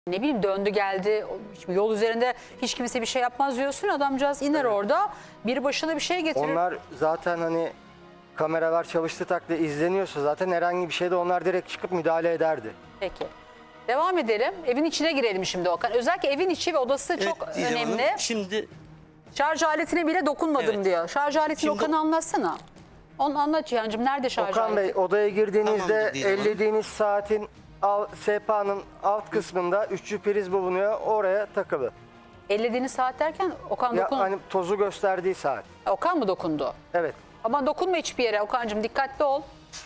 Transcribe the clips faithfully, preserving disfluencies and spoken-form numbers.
Ne bileyim döndü geldi, şimdi yol üzerinde hiç kimse bir şey yapmaz diyorsun, adamcağız iner evet. Orada bir başına bir şey getirir. Onlar zaten hani kameralar çalıştığı takdirde izleniyorsa zaten herhangi bir şeyde onlar direkt çıkıp müdahale ederdi. Peki. Devam edelim. Evin içine girelim şimdi Okan. Özellikle evin içi ve odası evet, çok önemli. Hanım, şimdi şarj aletine bile dokunmadım evet. Diyor. Şarj aletini şimdi... Okan'ı anlatsana. Onu anlat Cihan'cığım. Nerede şarj Okan aleti? Bey, odaya girdiğinizde ellediğiniz saatin sehpanın alt kısmında üçlü priz bulunuyor. Oraya takılı. Ellediğiniz saat derken Okan ya, dokun. Hani tozu gösterdiği saat. Okan mı dokundu? Evet. Ama dokunma hiçbir yere Okan'cığım, dikkatli ol.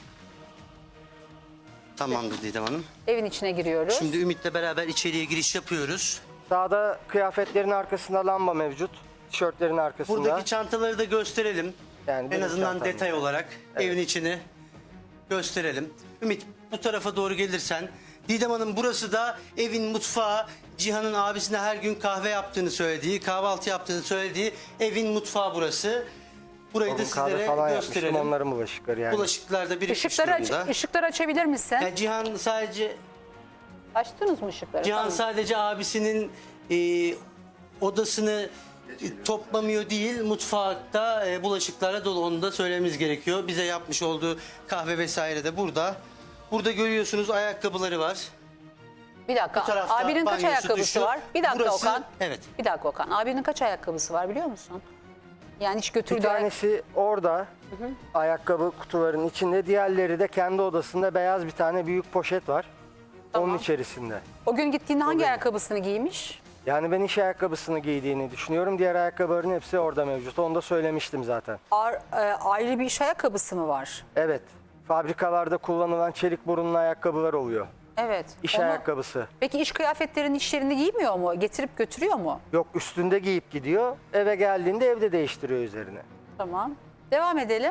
Tamamdır Didem Hanım. Evin içine giriyoruz. Şimdi Ümit'le beraber içeriye giriş yapıyoruz. Sağda kıyafetlerin arkasında lamba mevcut. Tişörtlerin arkasında. Buradaki çantaları da gösterelim. Yani en azından çantam. Detay olarak evet. Evin içini gösterelim. Ümit, bu tarafa doğru gelirsen. Didem Hanım, burası da evin mutfağı. Cihan'ın abisine her gün kahve yaptığını söylediği, kahvaltı yaptığını söylediği evin mutfağı burası. Burayı Onun da sizlere falan gösterelim. Onların bulaşıkları yani. Bulaşıklar da birikmiş Işıkları durumda. Aç, ışıkları açabilir misin? Yani Cihan sadece... Açtınız mı ışıkları? Cihan tamam. Sadece abisinin e, odasını toplamıyor değil, mutfakta e, bulaşıklarla dolu, onu da söylememiz gerekiyor. Bize yapmış olduğu kahve vesaire de burada. Burada görüyorsunuz ayakkabıları var. Bir dakika, abinin kaç ayakkabısı duşu. Var? Bir dakika Burası, Okan. Evet. Bir dakika Okan, abinin kaç ayakkabısı var biliyor musun? Yani hiç götürdüğü... Bir tanesi orada, hı hı. Ayakkabı kutuların içinde. Diğerleri de kendi odasında beyaz bir tane büyük poşet var. Tamam. Onun içerisinde. O gün gittiğinde hangi benim. ayakkabısını giymiş? Yani ben iş ayakkabısını giydiğini düşünüyorum. Diğer ayakkabıların hepsi orada mevcut. Onu da söylemiştim zaten. Ar, e, ayrı bir iş ayakkabısı mı var? Evet. Fabrikalarda kullanılan çelik burunlu ayakkabılar oluyor. Evet. İş onu... ayakkabısı. Peki iş kıyafetlerini işlerinde giymiyor mu? Getirip götürüyor mu? Yok, üstünde giyip gidiyor. Eve geldiğinde evde değiştiriyor üzerine. Tamam. Devam edelim.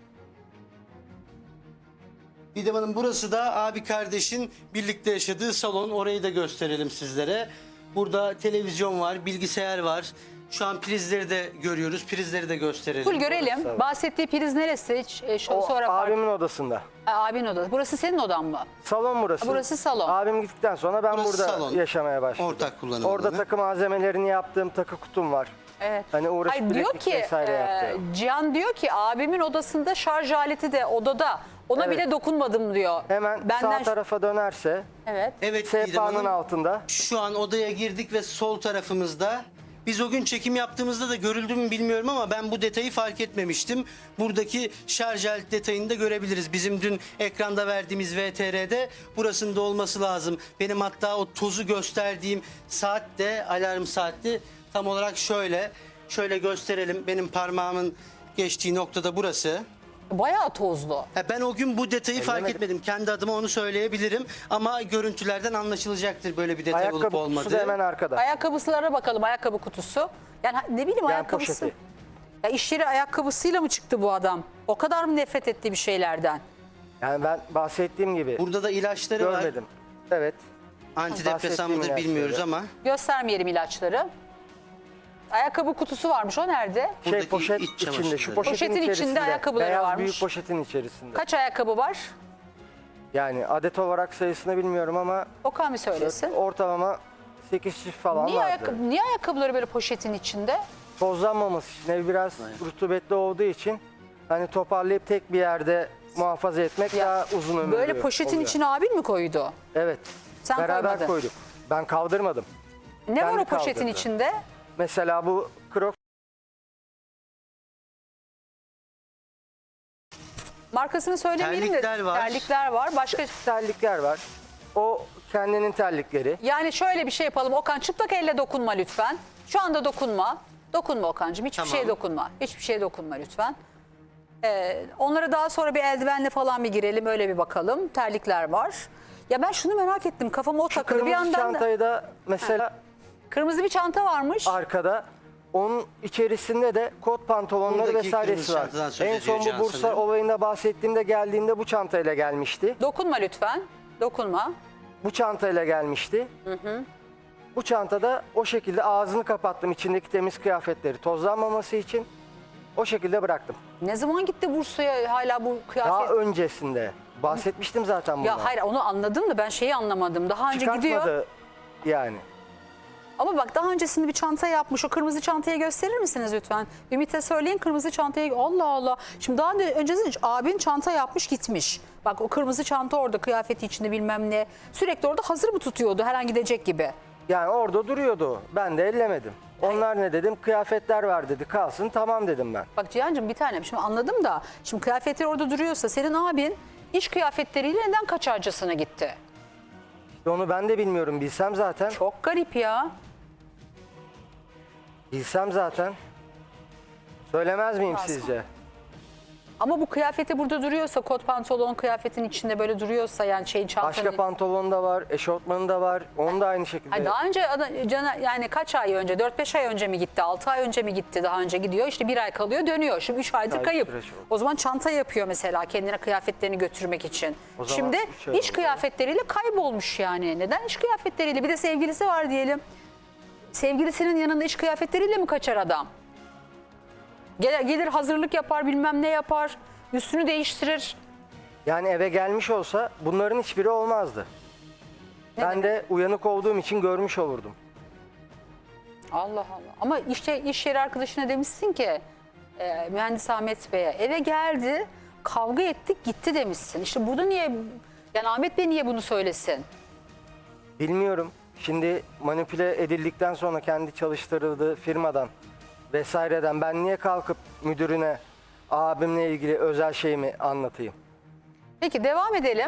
Didem Hanım, burası da abi kardeşin birlikte yaşadığı salon. Orayı da gösterelim sizlere. Burada televizyon var, bilgisayar var. Şu an prizleri de görüyoruz. Prizleri de gösterelim. Full görelim. Burası, bahsettiği priz neresi? Hiç, e, şu, o sonra abimin fark... odasında. Ha, abinin odası. Burası senin odan mı? Salon burası. Burası salon. Abim gittikten sonra ben burası burada salon. yaşamaya başladım. Ortak kullanım Orada alanı. takı malzemelerini yaptığım takı kutum var. Evet. Hani uğraşıp Hayır, diyor ki e, Cihan diyor ki abimin odasında şarj aleti de odada. Ona evet. Bile dokunmadım diyor. Hemen Benden... sağ tarafa dönerse. Evet. Evet. Sehpanın altında. Şu an odaya girdik ve sol tarafımızda. Biz o gün çekim yaptığımızda da görüldü mü bilmiyorum ama ben bu detayı fark etmemiştim. Buradaki şarj aleti detayını da görebiliriz. Bizim dün ekranda verdiğimiz V T R'de burasında olması lazım. Benim hatta o tozu gösterdiğim saat de alarm saatti. Tam olarak şöyle, şöyle gösterelim. Benim parmağımın geçtiği noktada burası. Bayağı tozlu. Ben o gün bu detayı Ellemedim. fark etmedim. Kendi adıma onu söyleyebilirim. Ama görüntülerden anlaşılacaktır böyle bir detay Ayakkabı olup olmadığı. Ayakkabı kutusu da hemen arkada. Ayakkabısılara bakalım, ayakkabı kutusu. Yani ne bileyim yani ayakkabısı. Poşeti. Ya iş yeri ayakkabısıyla mı çıktı bu adam? O kadar mı nefret etti bir şeylerden? Yani ben bahsettiğim gibi. Burada da ilaçları görmedim. var. Görmedim. Evet. Antidepresan mıdır bilmiyoruz ama. Göstermeyelim ilaçları. Ayakkabı kutusu varmış, o nerede? Şey, buradaki poşet içinde, şu poşetin, poşetin içinde, içinde ayakkabıları beyaz varmış. Büyük poşetin içerisinde. Kaç ayakkabı var? Yani adet olarak sayısını bilmiyorum ama Okan bir söylesin. Ortalama sekiz çift falan niye vardı. Ayakkabı, niye ayakkabıları böyle poşetin içinde? Tozlanmaması için, ev biraz Aynen. rutubetli olduğu için hani toparlayıp tek bir yerde muhafaza etmek ya, daha uzun ömürlü böyle poşetin oluyor. içine abin mi koydu? Evet. Sen beraber koymadın. koyduk. Ben kaldırmadım. Ne Kendi var o poşetin kaldırdı. içinde? Mesela bu krok. Markasını söylemeyelim de terlikler var. terlikler var. Başka terlikler var. O kendinin terlikleri. Yani şöyle bir şey yapalım. Okan, çıplak elle dokunma lütfen. Şu anda dokunma. Dokunma Okan'cığım. Hiçbir tamam. şeye dokunma. Hiçbir şeye dokunma lütfen. Ee, onlara daha sonra bir eldivenle falan bir girelim. Öyle bir bakalım. Terlikler var. Ya ben şunu merak ettim. Kafama o Şu takıldı. Bir kırmızı yandan çantayı da... da mesela Ha. Kırmızı bir çanta varmış. Arkada. Onun içerisinde de kot pantolonları Buradaki vesairesi var. En son bu Bursa sanırım. olayında bahsettiğimde geldiğinde bu çantayla gelmişti. Dokunma lütfen. Dokunma. Bu çantayla gelmişti. Hı hı. Bu çantada o şekilde ağzını kapattım, içindeki temiz kıyafetleri tozlanmaması için. O şekilde bıraktım. Ne zaman gitti Bursa'ya hala bu kıyafet? Daha öncesinde. Bahsetmiştim zaten bundan. Ya hayır, onu anladım da ben şeyi anlamadım. Daha önce gidiyor. Yani Ama bak daha öncesinde bir çanta yapmış. O kırmızı çantayı gösterir misiniz lütfen? Ümit'e söyleyin kırmızı çantayı. Allah Allah. Şimdi daha önce öncesinde abin çanta yapmış gitmiş. Bak o kırmızı çanta orada kıyafeti içinde bilmem ne. Sürekli orada hazır mı tutuyordu her an gidecek gibi? yani orada duruyordu o. Ben de ellemedim. Onlar ne dedim? Kıyafetler var dedi. Kalsın, tamam dedim ben. Bak Cihan'cığım bir tanem şimdi anladım da. Şimdi kıyafetler orada duruyorsa senin abin iş kıyafetleriyle neden kaçarcasına gitti? İşte onu ben de bilmiyorum. Bilsem zaten. Çok garip ya. Bilsem zaten. Söylemez miyim Lazım. sizce? Ama bu kıyafeti burada duruyorsa kot pantolon kıyafetin içinde böyle duruyorsa yani şeyin çantanın... Başka pantolon da var, eşortmanı da var. Onu da aynı şekilde. Ay daha önce ada- cana- yani kaç ay önce dört beş ay önce mi gitti altı ay önce mi gitti daha önce gidiyor işte bir ay kalıyor dönüyor şimdi üç aydır Ay, kayıp. süreç oldu. O zaman çanta yapıyor mesela kendine kıyafetlerini götürmek için. O zaman Şimdi üç ay iş oldu. kıyafetleriyle kaybolmuş yani. Neden iş kıyafetleriyle bir de sevgilisi var diyelim. Sevgilisinin yanında iş kıyafetleriyle mi kaçar adam? Gelir, gelir hazırlık yapar bilmem ne yapar üstünü değiştirir. Yani eve gelmiş olsa bunların hiçbiri olmazdı. Ne ben demek? de uyanık olduğum için görmüş olurdum. Allah Allah. Ama işte iş yeri arkadaşına demişsin ki e, mühendis Ahmet Bey'e eve geldi kavga ettik gitti demişsin. İşte burada niye yani Ahmet Bey niye bunu söylesin? Bilmiyorum. Şimdi manipüle edildikten sonra kendi çalıştırıldığı firmadan vesaireden ben niye kalkıp müdürüne abimle ilgili özel şeyimi anlatayım? Peki devam edelim.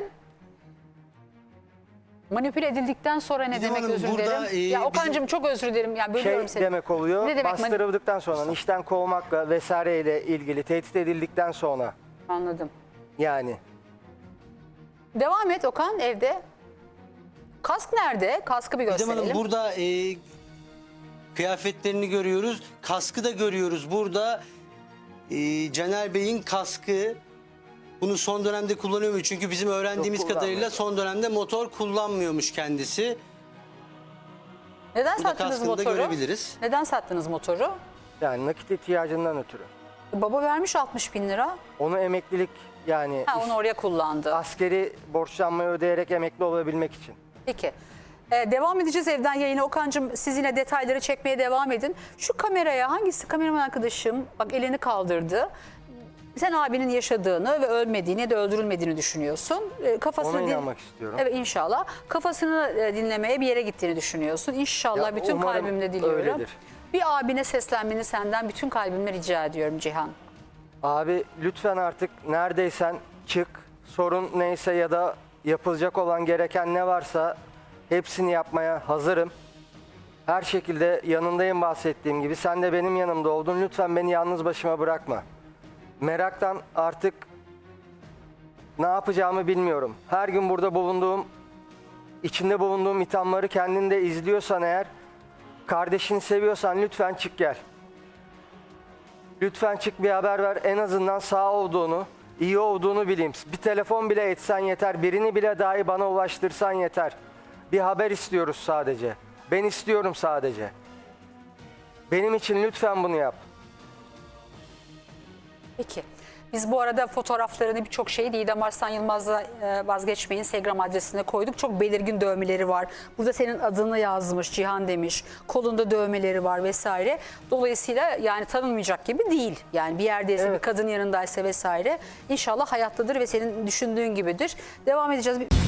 Manipüle edildikten sonra ne Didem demek Hanım, özür burada, dilerim? e, ya bizim- Okan'cığım çok özür dilerim. Ya bölüyorum Şey seni. demek oluyor, Ne demek mani- bastırıldıktan sonra, işten kovmakla vesaireyle ilgili tehdit edildikten sonra Anladım. yani. Devam et Okan evde. Kask nerede? Kaskı bir Didem gösterelim. Hanım burada e, kıyafetlerini görüyoruz. Kaskı da görüyoruz. Burada e, Caner Bey'in kaskı. Bunu son dönemde kullanıyor mu? Çünkü bizim öğrendiğimiz Yok, kadarıyla kullanmıyor. son dönemde motor kullanmıyormuş kendisi. Neden Burada sattınız kaskını da motoru? görebiliriz. Neden sattınız motoru? Yani nakit ihtiyacından ötürü. Baba vermiş altmış bin lira. Onu emeklilik yani Ha, onu oraya kullandı. askeri borçlanmayı ödeyerek emekli olabilmek için. Peki. Ee, devam edeceğiz evden yayına. Okan'cığım siz yine detayları çekmeye devam edin. Şu kameraya hangisi kameraman arkadaşım bak elini kaldırdı. Sen abinin yaşadığını ve ölmediğini ya da öldürülmediğini düşünüyorsun. Ee, kafasını Ona din- inanmak istiyorum. Evet inşallah. Kafasını e, dinlemeye bir yere gittiğini düşünüyorsun. İnşallah Ya, bütün umarım kalbimle diliyorum. öyledir. Bir abine seslenmeni senden bütün kalbimle rica ediyorum Cihan. Abi lütfen artık neredeysen çık. Sorun neyse ya da yapılacak olan gereken ne varsa hepsini yapmaya hazırım. Her şekilde yanındayım bahsettiğim gibi. Sen de benim yanımda oldun. Lütfen beni yalnız başıma bırakma. Meraktan artık ne yapacağımı bilmiyorum. Her gün burada bulunduğum, içinde bulunduğum ithamları kendinde izliyorsan eğer, kardeşini seviyorsan lütfen çık gel. Lütfen çık bir haber ver. En azından sağ olduğunu, iyi olduğunu bileyim. Bir telefon bile etsen yeter. Birini bile dahi bana ulaştırsan yeter. Bir haber istiyoruz sadece. Ben istiyorum sadece. Benim için lütfen bunu yap. Peki. Biz bu arada fotoğraflarını birçok şeyi Didem Arslan Yılmaz'la e, vazgeçmeyin Instagram adresine koyduk. Çok belirgin dövmeleri var. Burada senin adını yazmış, Cihan demiş. Kolunda dövmeleri var vesaire. Dolayısıyla yani tanınmayacak gibi değil. Yani bir yerdeyse Evet. bir kadın yanındaysa vesaire. İnşallah hayattadır ve senin düşündüğün gibidir. Devam edeceğiz.